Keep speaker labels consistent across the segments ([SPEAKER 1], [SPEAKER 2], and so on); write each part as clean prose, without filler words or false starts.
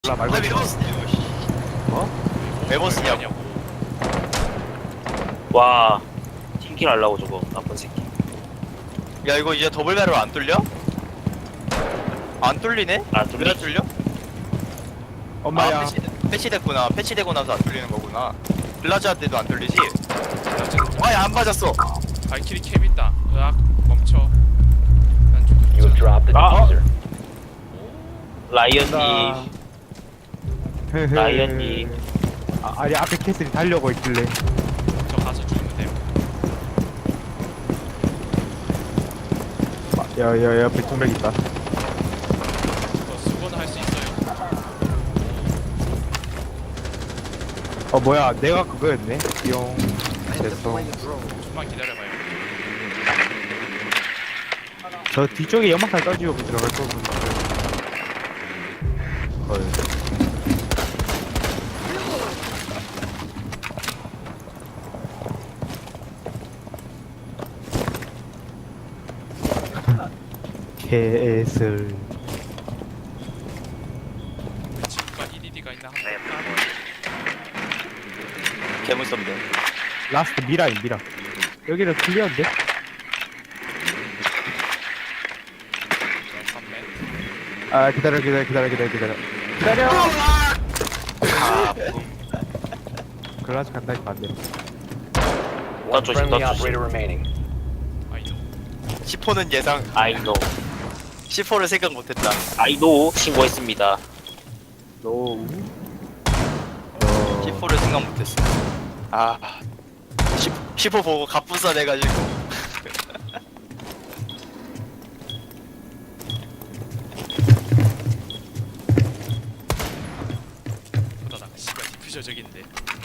[SPEAKER 1] 몰라 말고
[SPEAKER 2] 왜 버스냐고 씨.
[SPEAKER 1] 어?
[SPEAKER 2] 왜 버스냐고.
[SPEAKER 3] 와 팀킬 하려고 저거 나쁜 새끼.
[SPEAKER 2] 야 이거 이제 더블 배럴 안 뚫려? 안 뚫리네?
[SPEAKER 3] 안
[SPEAKER 2] 왜
[SPEAKER 3] 뚫리?
[SPEAKER 2] 안 뚫려?
[SPEAKER 1] 엄마야.
[SPEAKER 2] 아, 패치됐구나. 패치되고 나서 안 뚫리는 거구나. 블라자 때도 안 뚫리지? 아예 안 맞았어.
[SPEAKER 4] 발키리 캠 있다. 으악 멈춰. 난
[SPEAKER 5] You have
[SPEAKER 4] 좀
[SPEAKER 5] dropped the
[SPEAKER 3] Ah.
[SPEAKER 5] diffuser.
[SPEAKER 3] 라이언님
[SPEAKER 1] 헤헤.
[SPEAKER 3] 라이언님.
[SPEAKER 1] 아니 앞에 캐슬이 달려고 있길래.
[SPEAKER 4] 저 가서 죽으면 돼요.
[SPEAKER 1] 야야야 옆에 두 명 있다.
[SPEAKER 4] 그거 수거는 할 수 있어요.
[SPEAKER 1] 어 뭐야 내가 그거였네. 용. 죄송.
[SPEAKER 4] 좀만 기다려봐요.
[SPEAKER 1] 저 뒤쪽에 연막탄 떠지고 들어갈 거군. 헐. 개슬.
[SPEAKER 4] 지구가 1위가 있나 한번
[SPEAKER 2] 개무섭네.
[SPEAKER 1] 라스트 미라인 미라. 여기는 클리어인데?
[SPEAKER 4] 판매.
[SPEAKER 1] 아 기다려. 글라스 간다니까 안 돼.
[SPEAKER 5] One
[SPEAKER 3] 조심,
[SPEAKER 5] friendly
[SPEAKER 3] 너 조심.
[SPEAKER 5] operator remaining.
[SPEAKER 4] 아이도
[SPEAKER 2] 10호는 예상.
[SPEAKER 3] 아이노
[SPEAKER 2] 10호를 생각 못했다.
[SPEAKER 3] 아이노 신고했습니다.
[SPEAKER 1] 노.
[SPEAKER 2] 10호를 생각 못했어. 아 10호 보고 갑분싸 돼가지고.
[SPEAKER 4] 보다 나 씨발 디퓨저 적인데.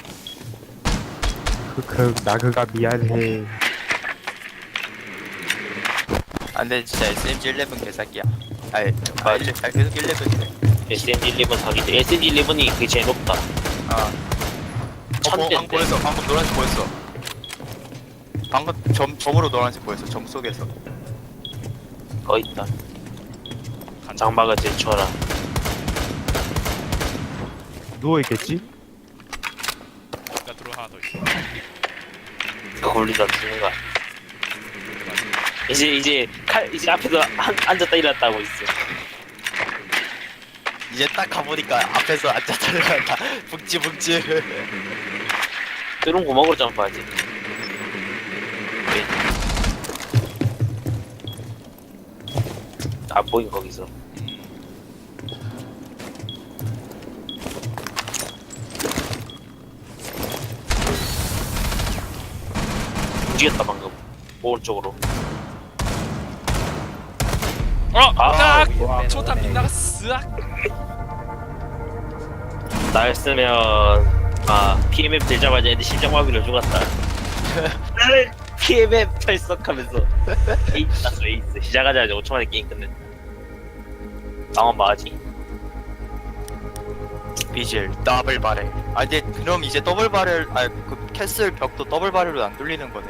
[SPEAKER 1] 나그가 미안해.
[SPEAKER 2] 안돼 진짜 SMG11 개사기야. 계속 11이네.
[SPEAKER 3] SNG11 사기들. SNG11이 그게 제일 높다.
[SPEAKER 2] 아. 방금
[SPEAKER 3] 천대인데.
[SPEAKER 2] 보였어. 방금 노란색 보였어. 방금 점으로 노란색 보였어. 점 속에서.
[SPEAKER 3] 거 있다.
[SPEAKER 4] 간다.
[SPEAKER 3] 장막을 제쳐라.
[SPEAKER 1] 누워 있겠지?
[SPEAKER 4] 나 들어 하나 더 있어.
[SPEAKER 3] 그거 올리다 죽는 거야. 이제 이제 앞에서 앉았다 일어났다 하고 있어.
[SPEAKER 2] 이제 딱 가보니까 앞에서 앉았다 일어났다. 북지.
[SPEAKER 3] 뚫은 구멍으로 점프하지. 안 보인 거기서. 움직였다 방금. 오른쪽으로. 아,
[SPEAKER 4] 딱! 초탑 빗나갔어. 으악!
[SPEAKER 3] 나였으면 PMF 들자마자 애들 심장마비로 죽었다. PMF 탈석하면서 에이스 났어. 에이스 시작하자마자 5초 만에 게임 끝냈다. 상황 맞지?
[SPEAKER 2] 비질 더블 바렐. 아 이제 그럼 이제 더블 바렐 그 캐슬 벽도 더블 바렐로 안 뚫리는 거네.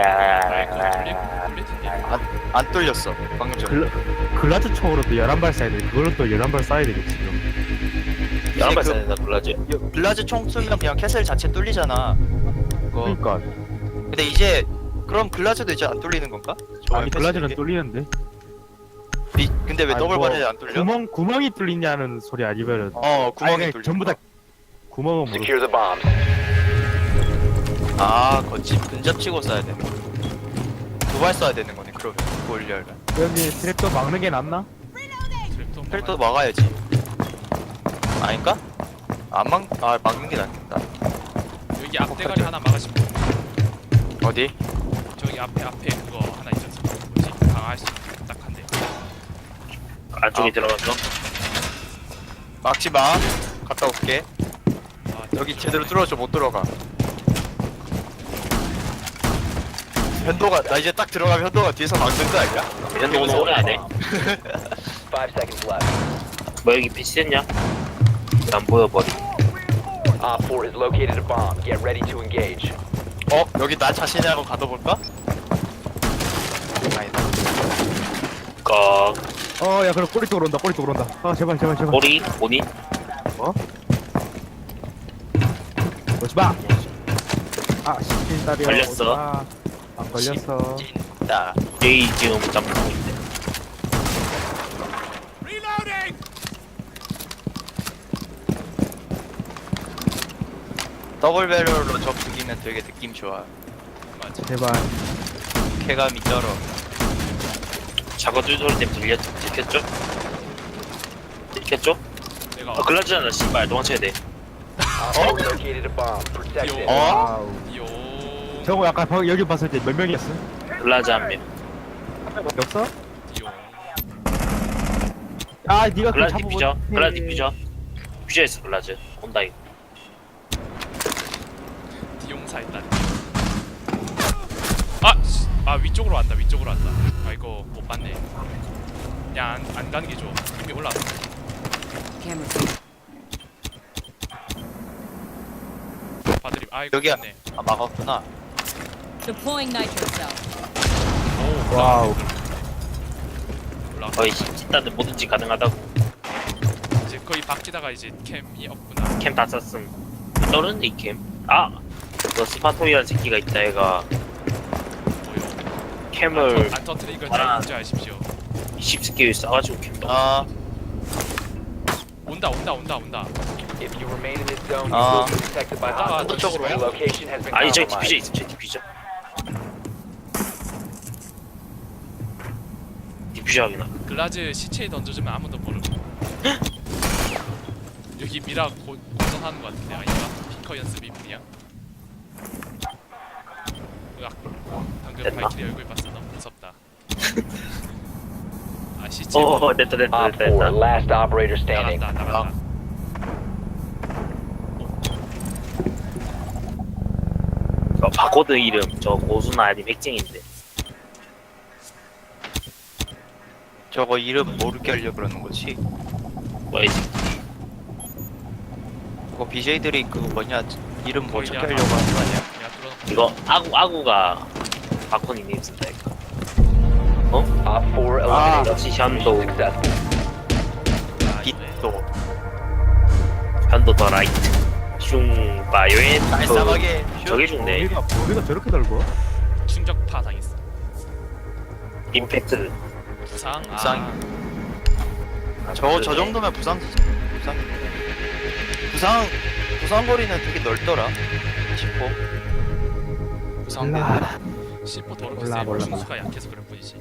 [SPEAKER 2] 안 뚫렸어. 방금 전에.
[SPEAKER 1] 글라즈 총으로 또 11발 쏴야 돼. 그걸로 또 11발 쏴야 되겠지. 그럼.
[SPEAKER 3] 11발
[SPEAKER 2] 그-
[SPEAKER 3] 쏴야 된다 블라즈.
[SPEAKER 2] 블라즈 총 쏘면 그냥 캐슬 자체 뚫리잖아. 그거.
[SPEAKER 1] 그러니까.
[SPEAKER 2] 근데 이제 그럼 글라즈도 이제 안 뚫리는 건가?
[SPEAKER 1] 아니 글라즈는
[SPEAKER 2] 캐슬이?
[SPEAKER 1] 뚫리는데.
[SPEAKER 2] 근데 왜
[SPEAKER 1] 아니,
[SPEAKER 2] 더블
[SPEAKER 1] 뭐
[SPEAKER 2] 바렐이 안 뚫려?
[SPEAKER 1] 구멍이 뚫리냐는 소리 아니면은.
[SPEAKER 2] 구멍이
[SPEAKER 1] 아니,
[SPEAKER 2] 뚫려.
[SPEAKER 1] 전부 다 구멍은 모르.
[SPEAKER 5] Secure the bombs.
[SPEAKER 2] 아, 그렇지. 근접 치고 쏴야 되네. 두 발 쏴야 되는 거네. 그러면 골리얼가.
[SPEAKER 1] 여기 트랩도 막는 게 낫나?
[SPEAKER 4] 트랩도
[SPEAKER 2] 펠도 막아야지. 아닌가? 막는 게 낫겠다.
[SPEAKER 4] 여기 앞대가리 하나 막으시면 돼요.
[SPEAKER 2] 어디?
[SPEAKER 4] 저기 앞에 그거 하나 있었어. 뭐지? 강화할 수 있는 딱 한 대.
[SPEAKER 3] 안쪽에 들어갔어.
[SPEAKER 2] 막지 마. 갔다 올게.
[SPEAKER 4] 아,
[SPEAKER 2] 여기 제대로 뚫어줘. 못 들어가. 현도가 나 이제 딱 들어가면 현도가 뒤에서 막는 거 아니야?
[SPEAKER 3] 이런 거 오늘 오래 안 해.
[SPEAKER 5] 5 seconds left.
[SPEAKER 3] 뭐 여기 배치됐냐? 안 보여 버리.
[SPEAKER 5] Op 4 has located a bomb. Get ready to engage.
[SPEAKER 2] 여기 나 자신이라고 가둬볼까? 아니다.
[SPEAKER 3] 꺽.
[SPEAKER 1] 야 그럼 꼬리 쪽으로 온다. 아 제발.
[SPEAKER 3] 꼬리? 본인?
[SPEAKER 1] 어? 오지마! 아, 시킨다리야.
[SPEAKER 3] 걸렸어.
[SPEAKER 1] 안 걸렸어.
[SPEAKER 2] 찐다.
[SPEAKER 3] 제이 지금 점프하고 있대.
[SPEAKER 2] 더블 배럴로 적 죽이면 되게 느낌 좋아.
[SPEAKER 4] 맞아.
[SPEAKER 1] 제발.
[SPEAKER 2] 쾌감이 쩔어.
[SPEAKER 3] 작업 소리 때문에 들켰죠? 들켰죠?
[SPEAKER 4] 내가
[SPEAKER 3] 아 글라즈잖아 씨발 도망쳐야 돼.
[SPEAKER 5] Op 4 located a bomb. Protect it.
[SPEAKER 2] 어?
[SPEAKER 1] 와우.
[SPEAKER 4] 띠용
[SPEAKER 1] 저거 약간 여기 봤을 때 몇 명이었어?
[SPEAKER 3] 글라즈 한 명.
[SPEAKER 1] 밖에 없어?
[SPEAKER 4] 띠용.
[SPEAKER 1] 아, 니가
[SPEAKER 3] 글라즈
[SPEAKER 1] 잡아보-
[SPEAKER 3] 디퓨저. 글라즈 디퓨저. 디퓨저했어 글라즈. 온다 이거.
[SPEAKER 4] 띠용사 일단. 아 위쪽으로 왔다. 위쪽으로 왔다. 아 이거 못 봤네. 그냥 안 가는 게 좋아. 이미 올라왔어. 봐드림. 아 이거
[SPEAKER 2] 여기야.
[SPEAKER 4] 좋네.
[SPEAKER 2] 아 막았구나.
[SPEAKER 6] Deploying nitro cell.
[SPEAKER 4] 오
[SPEAKER 1] 와우.
[SPEAKER 4] 올라왔어.
[SPEAKER 3] 거의 찐따들 뭐든지 가능하다고.
[SPEAKER 4] 이제 거의 박지다가 이제 캠이 없구나.
[SPEAKER 3] 캠 다 썼음. 너는 이 캠. 아. 너 스파토이라는 새끼가 있다 얘가
[SPEAKER 4] 뭐요?
[SPEAKER 3] 캠을
[SPEAKER 4] 안 터뜨린 걸
[SPEAKER 3] 아.
[SPEAKER 4] 잘 인지하십시오.
[SPEAKER 3] 20스킬 써가지고 캠 넣어.
[SPEAKER 2] 아,
[SPEAKER 4] 온다.
[SPEAKER 5] If you remain in this zone, you
[SPEAKER 2] Ah.
[SPEAKER 5] will be detected by
[SPEAKER 4] Ah,
[SPEAKER 5] hostiles.
[SPEAKER 2] 저쪽으로
[SPEAKER 5] Your
[SPEAKER 2] 와요?
[SPEAKER 5] location has been
[SPEAKER 3] 아니 저기 디퓨저
[SPEAKER 5] compromised.
[SPEAKER 3] 있어 저 디퓨저. 디퓨저 하기나.
[SPEAKER 4] 글라즈 시체에 던져주면 아무도 모르고. 여기 미라 고정하는 것 같은데 아닌가? 피커 연습이 뿐이야. 으악. 방금
[SPEAKER 3] 됐나?
[SPEAKER 4] 발키리 얼굴 봤어. 너무 무섭다. 아 시체.
[SPEAKER 3] 됐다 됐다
[SPEAKER 5] Op
[SPEAKER 3] 됐다
[SPEAKER 5] 4,
[SPEAKER 3] 됐다.
[SPEAKER 5] last operator standing.
[SPEAKER 4] 나간다.
[SPEAKER 3] 바코드 이름 저 고수나 아니면 핵쟁인데.
[SPEAKER 2] 저거 이름 모르게 하려고 그러는 거지.
[SPEAKER 3] 뭐야 이 새끼.
[SPEAKER 2] 그거 BJ들이 그거 뭐냐 이름 뭐
[SPEAKER 4] 거의
[SPEAKER 2] 적게
[SPEAKER 4] 그냥
[SPEAKER 2] 하려고 하는 거 아니야?
[SPEAKER 4] 야 뚫어놓고.
[SPEAKER 3] 이거 아구가 바코니 님 쓴다 이거.
[SPEAKER 5] Op 4 eliminated.
[SPEAKER 3] 역시 현도
[SPEAKER 5] Successful.
[SPEAKER 4] 아, 이거네.
[SPEAKER 2] 빛도
[SPEAKER 3] 현도 더 라이트. 슝 바이오엔
[SPEAKER 2] 깔쌈하게
[SPEAKER 3] 저게 죽네.
[SPEAKER 1] 우리가 저렇게 넓어?
[SPEAKER 4] 충격파 당했어.
[SPEAKER 3] 임팩트.
[SPEAKER 4] 부상.
[SPEAKER 2] 부상. 저 정도면 부상 거리는 되게 넓더라. 싶어. 부상
[SPEAKER 1] 몰라.
[SPEAKER 4] C4 더럽게
[SPEAKER 1] 몰라,
[SPEAKER 4] 세.
[SPEAKER 1] 몰라.
[SPEAKER 4] 충수가 약해서 그럴 뿐이지.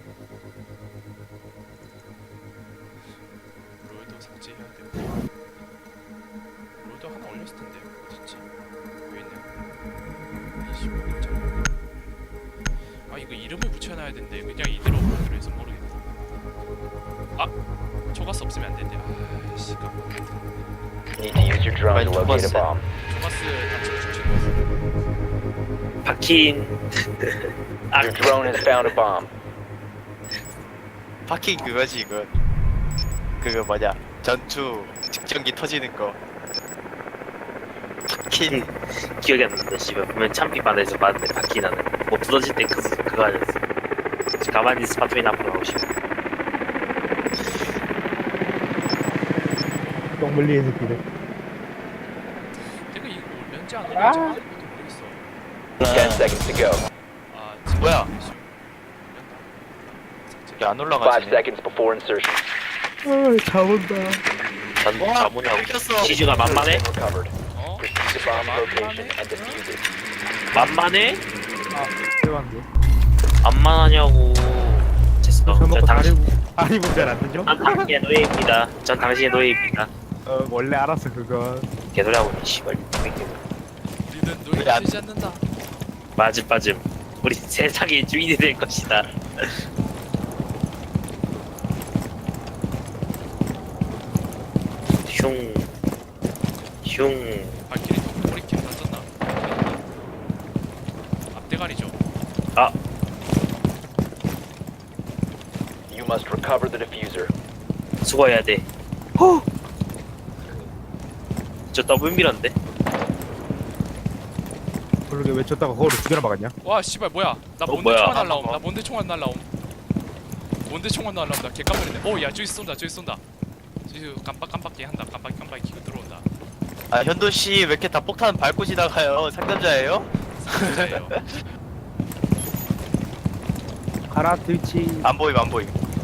[SPEAKER 4] 롤도 삭제해야 되고. 롤도 하나 올렸을 텐데 어딨지? 왜 있네. 25점. 아 이거 이름을 붙여놔야 되는데 그냥 이대로 해서 모르겠다. 아 초가스 없으면 안 된대. 아씨 깜빡.
[SPEAKER 5] Need to use your drone to
[SPEAKER 2] Right,
[SPEAKER 5] locate a
[SPEAKER 2] Thomas.
[SPEAKER 5] bomb.
[SPEAKER 4] 초가스 단체 추천.
[SPEAKER 3] 박힌. 아
[SPEAKER 5] Your drone has found a bomb.
[SPEAKER 2] 파킹 그거지 이거. 그거 뭐냐 전투 직전기 터지는 거. 파킹.
[SPEAKER 3] 기억이 안 난다 씨발. 보면 참비반에서 봤는데 박힌 하는 뭐 부서질 때 그거 아니었어. 가만히 스파토인 앞으로 가고 싶어.
[SPEAKER 1] 똥 물리는 새끼들.
[SPEAKER 4] 내가 이거 올렸지 안 올렸지 모르겠어.
[SPEAKER 5] 10 seconds to go.
[SPEAKER 4] 아 지금
[SPEAKER 2] 뭐야?
[SPEAKER 4] 올렸다. 삭제.
[SPEAKER 2] 안
[SPEAKER 5] 5
[SPEAKER 2] 올라가지네.
[SPEAKER 5] seconds before insertion.
[SPEAKER 1] 잡은다.
[SPEAKER 3] 전
[SPEAKER 2] 와,
[SPEAKER 3] 자문이하고
[SPEAKER 2] 뺏겼어.
[SPEAKER 3] 시즈가 만만해?
[SPEAKER 5] Recovered.
[SPEAKER 4] 어?
[SPEAKER 5] Proceed to bomb location and defuse it.
[SPEAKER 3] 만만해?
[SPEAKER 1] 대박이야.
[SPEAKER 3] 만만하냐고. 됐어.
[SPEAKER 1] 저
[SPEAKER 3] 전
[SPEAKER 1] 먹고
[SPEAKER 3] 당신
[SPEAKER 1] 다리 문제 안 되죠?
[SPEAKER 3] 전 당신의 노예입니다. 전 당신의 노예입니다.
[SPEAKER 1] 원래 알았어 그거.
[SPEAKER 3] 개소리하고 있네 씨발.
[SPEAKER 4] 우리는
[SPEAKER 2] 왜 안-
[SPEAKER 4] 노예되지 않는다.
[SPEAKER 3] 빠짐. 우리 세상의 주인이 될 것이다. 흉.
[SPEAKER 4] 발키리 머리 캠 던졌나? 앞대가리죠.
[SPEAKER 3] 아,
[SPEAKER 5] You must recover the diffuser.
[SPEAKER 3] 수고해야 돼. 저 더블 미러인데?
[SPEAKER 1] 그러게 왜 쳤다가 거울을 두 개나 막았냐?
[SPEAKER 4] 와 씨발 뭐야? 나 뭔데
[SPEAKER 3] 뭐야?
[SPEAKER 4] 총알 날라옴. 나 뭔데 총알 날라옴. 뭔데 총알 날라옴. 나 개깜놀이네. 오야 저기 쏜다. 저기 깜빡 깜빡이 한다. 깜빡이 키고 들어온다.
[SPEAKER 2] 아 현도 씨 왜 이렇게 다 폭탄 밟고 지나가요? 상남자예요?
[SPEAKER 4] 상자예요.
[SPEAKER 1] 가라 트위치.
[SPEAKER 2] 안 보임 안 보임.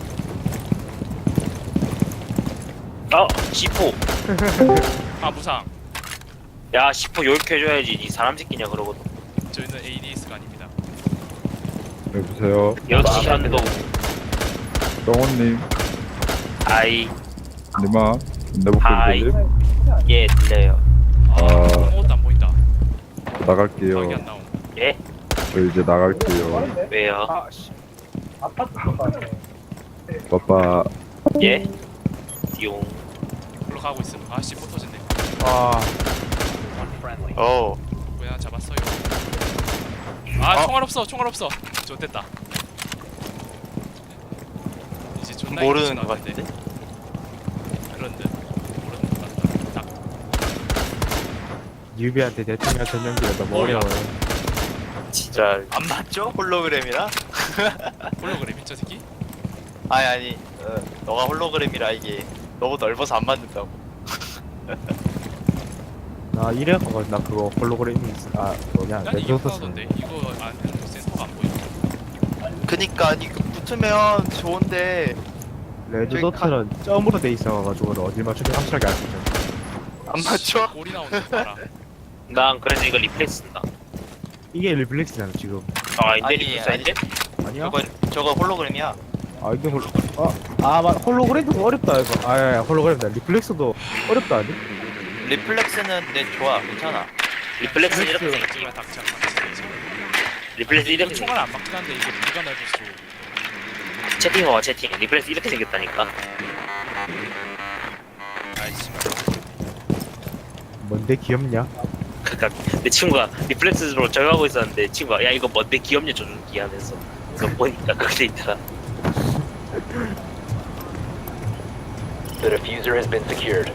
[SPEAKER 3] C4.
[SPEAKER 4] 아 무상.
[SPEAKER 3] 야, C4 요격해줘야지. 니 사람 새끼냐, 그러거든.
[SPEAKER 4] 저희는 ADS가 아닙니다.
[SPEAKER 7] 여보세요,
[SPEAKER 3] 역시 현도.
[SPEAKER 7] 정원님,
[SPEAKER 3] 아이.
[SPEAKER 7] 님아, 내
[SPEAKER 3] 하이.
[SPEAKER 7] 목소리 들리?
[SPEAKER 3] 예, 들려요.
[SPEAKER 4] 아, 아무것도 안 보인다. 각이
[SPEAKER 7] 나갈게요.
[SPEAKER 4] 안 나옴.
[SPEAKER 3] 예?
[SPEAKER 7] 저 이제 나갈게요.
[SPEAKER 3] 왜요?
[SPEAKER 7] 빠빠.
[SPEAKER 3] 예? 띠용.
[SPEAKER 4] 올라가고 있음. 아씨 포 터졌네.
[SPEAKER 1] 아,
[SPEAKER 5] Friendly.
[SPEAKER 2] 어.
[SPEAKER 4] 뭐야 잡았어요. 아 총알 없어. 총알 없어. 좋됐다. 이제 존나
[SPEAKER 2] 모르는
[SPEAKER 4] 이기진
[SPEAKER 2] 것
[SPEAKER 4] 않는데.
[SPEAKER 2] 같은데?
[SPEAKER 4] 그런 듯. 모르는 것 같다. 딱.
[SPEAKER 1] 뉴비한테 대통령 전용기가 너무 어려워요.
[SPEAKER 3] 진짜.
[SPEAKER 2] 안 맞죠? 홀로그램이라?
[SPEAKER 4] 홀로그램 저 새끼?
[SPEAKER 2] 아니 너가 홀로그램이라 이게 너무 넓어서 안 맞는다고.
[SPEAKER 1] 나 이래갖고 나 그거 홀로그램이 있어. 아 뭐냐
[SPEAKER 4] 난 이게
[SPEAKER 1] 레드소스.
[SPEAKER 4] 편하던데. 이거 안 해도 센서가 안 보여.
[SPEAKER 2] 그니까 이거 붙으면 좋은데
[SPEAKER 1] 레드소스는 점으로 돼 있어가지고 어딜 맞추면 확실하게 알 수 있잖아.
[SPEAKER 2] 안 맞죠?
[SPEAKER 4] 골이 나오는 거 봐라.
[SPEAKER 3] 난 그래서 이거 리플렉스 쓴다.
[SPEAKER 1] 이게 리플렉스잖아 지금.
[SPEAKER 3] 아닌데,
[SPEAKER 2] 아니,
[SPEAKER 3] 리플렉스
[SPEAKER 2] 아니.
[SPEAKER 3] 아닌데?
[SPEAKER 1] 아니야?
[SPEAKER 2] 저거 홀로그램이야.
[SPEAKER 1] 아 이게 홀로그램도 어렵다 이거. 아 홀로그램이다. 리플렉스도 어렵다 아니?
[SPEAKER 2] 리플렉스는 내 좋아 괜찮아.
[SPEAKER 3] 리플렉스 이렇게 생겼지.
[SPEAKER 4] 제발 닥쳐.
[SPEAKER 3] 리플렉스
[SPEAKER 4] 이거
[SPEAKER 3] 이렇게
[SPEAKER 4] 총알 안 맞긴 한데 이게 무기가 넓을수록
[SPEAKER 3] 채팅 봐봐, 채팅. 리플렉스 이렇게 생겼다니까.
[SPEAKER 4] 아이씨.
[SPEAKER 1] 뭔데 귀엽냐?
[SPEAKER 3] 그니까 내 친구가 리플렉스로 적용하고 있었는데 친구가 야 이거 뭔데 귀엽냐 조준기 하면서 그래서 보니까 그렇게 돼 있더라.
[SPEAKER 5] The diffuser has been secured.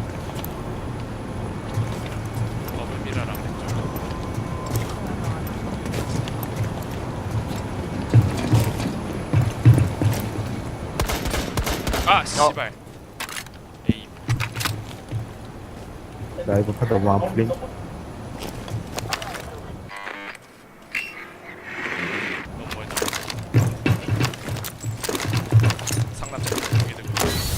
[SPEAKER 4] 버블 미라랑 왼쪽. 아 씨발. 에임.
[SPEAKER 1] 나 이거 판다 뭐안 풀린?
[SPEAKER 4] 너무 멀다. 상남자 여기 들고.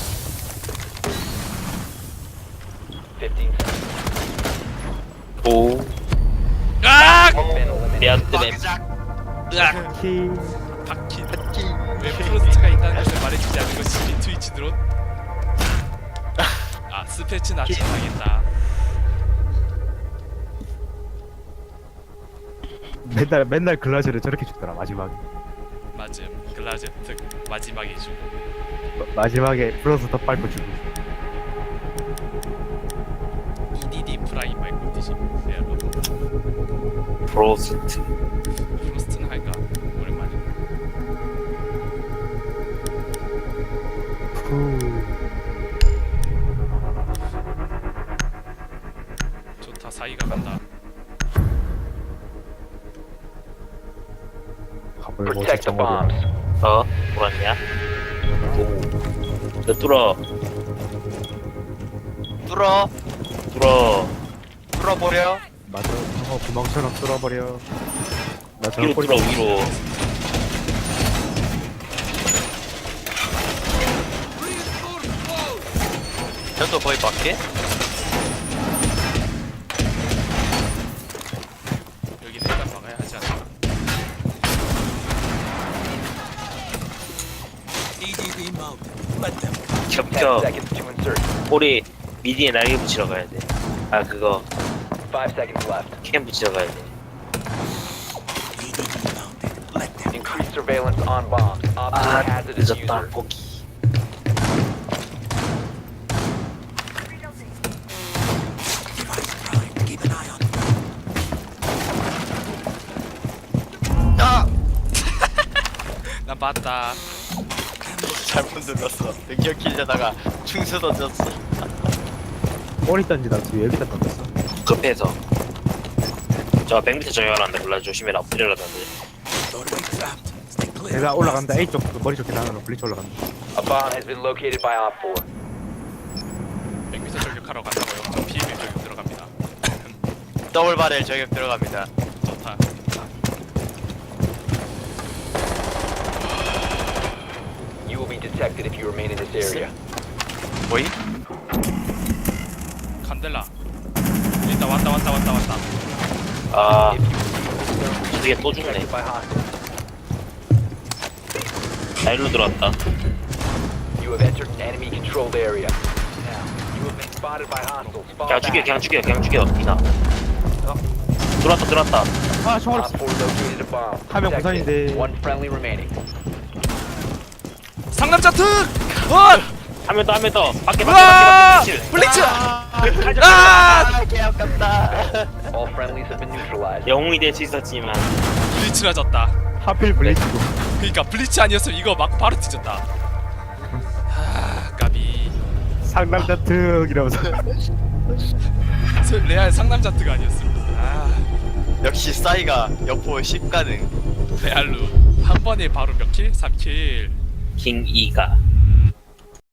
[SPEAKER 5] 15 seconds.
[SPEAKER 3] 오.
[SPEAKER 4] 아!
[SPEAKER 5] Been eliminated.
[SPEAKER 3] 내가 뜨면
[SPEAKER 2] 으악.
[SPEAKER 1] 키.
[SPEAKER 4] 박힌. 왜 프로스트가 있다는 것을 말해주지 않은 것이 트위치 드론? 아 스패치 나치 당했다.
[SPEAKER 1] 맨날 글라즈를 저렇게 주더라 마지막에.
[SPEAKER 4] 맞음. 글라즈 특 마지막에 주고.
[SPEAKER 1] 마지막에 플러스 더 밟고 주고.
[SPEAKER 4] EDD 프라임 말고 뜻이. 네, 여러분.
[SPEAKER 3] 프로스트.
[SPEAKER 4] 프로스트는 할까? 오랜만에.
[SPEAKER 1] 후.
[SPEAKER 4] 좋다 사이가 간다.
[SPEAKER 1] 가볼고
[SPEAKER 5] Protect the bombs.
[SPEAKER 3] 돌았냐? 오. 너 뚫어.
[SPEAKER 2] 뚫어 뚫어버려.
[SPEAKER 1] 맞아. 상어 구멍처럼 뚫어버려. 나 저런
[SPEAKER 3] 위로
[SPEAKER 1] 꼴
[SPEAKER 3] 뚫어, 위로.
[SPEAKER 2] 현도 거의 밖에?
[SPEAKER 4] 여기는 일단 막아야 하지 않나?
[SPEAKER 5] 10
[SPEAKER 3] 겹쳐.
[SPEAKER 5] seconds to insert.
[SPEAKER 3] 꼬리 미디에 날개 붙이러 가야 돼. 아, 그거.
[SPEAKER 5] 5 seconds left.
[SPEAKER 3] 캠 붙이러 가야 돼.
[SPEAKER 5] Increase surveillance on bombs. Op 4
[SPEAKER 3] 아,
[SPEAKER 5] hazardous
[SPEAKER 3] 늦었다,
[SPEAKER 5] user.
[SPEAKER 3] 고기.
[SPEAKER 2] 아!
[SPEAKER 4] 난 봤다.
[SPEAKER 2] 잘못 눌렀어. 능력 키려다가 충수 던졌어.
[SPEAKER 1] 꼬리 던지다 뒤에 여기다 던졌어.
[SPEAKER 3] 급해서. 저 100m 정렬한다. 몰라, 조심해라. 엎드려라던데.
[SPEAKER 1] 내가 올라간다. A 쪽 머리 쪽에 나가는 블리츠 올라간다.
[SPEAKER 5] A bomb has been located by Op 4.
[SPEAKER 4] 100m 저격하러 간다고요. 저 피해 저격 들어갑니다.
[SPEAKER 2] 더블 바렐 저격 들어갑니다.
[SPEAKER 4] 좋다.
[SPEAKER 5] You will be detected if you remain in this area.
[SPEAKER 2] 뭐이?
[SPEAKER 4] 칸델라. 일단 왔다.
[SPEAKER 3] 아
[SPEAKER 5] If you
[SPEAKER 3] 저게 또 죽네.
[SPEAKER 5] detected by hostiles,
[SPEAKER 3] 나 일로 들어왔다.
[SPEAKER 5] you have entered an enemy controlled area. Now, you have been spotted by hostiles. Fall
[SPEAKER 3] 그냥 죽여 이나. 들어왔다.
[SPEAKER 1] 아 총알
[SPEAKER 5] Op 4 located a bomb.
[SPEAKER 1] 하면
[SPEAKER 5] Protect it.
[SPEAKER 1] 부산인데.
[SPEAKER 5] One friendly remaining.
[SPEAKER 4] 상남자 특! 원!
[SPEAKER 3] 한 명 더. 밖에.
[SPEAKER 4] 와! 블리츠!
[SPEAKER 2] 개 아깝다.
[SPEAKER 5] All friendlies have been neutralized.
[SPEAKER 3] 영웅이 될 수 있었지만
[SPEAKER 4] 블리츠라 졌다.
[SPEAKER 1] 하필 블리츠도.
[SPEAKER 4] 그니까 블리츠 아니었으면 이거 막 바로 뒤졌다. 까비.
[SPEAKER 1] 상남자 특 이러면서.
[SPEAKER 4] 레알 상남자 특 아니었으면.
[SPEAKER 2] 역시 싸이가 여포 10가능.
[SPEAKER 4] 레알로 한 번에 바로 몇 킬? 3킬.
[SPEAKER 3] 킹이가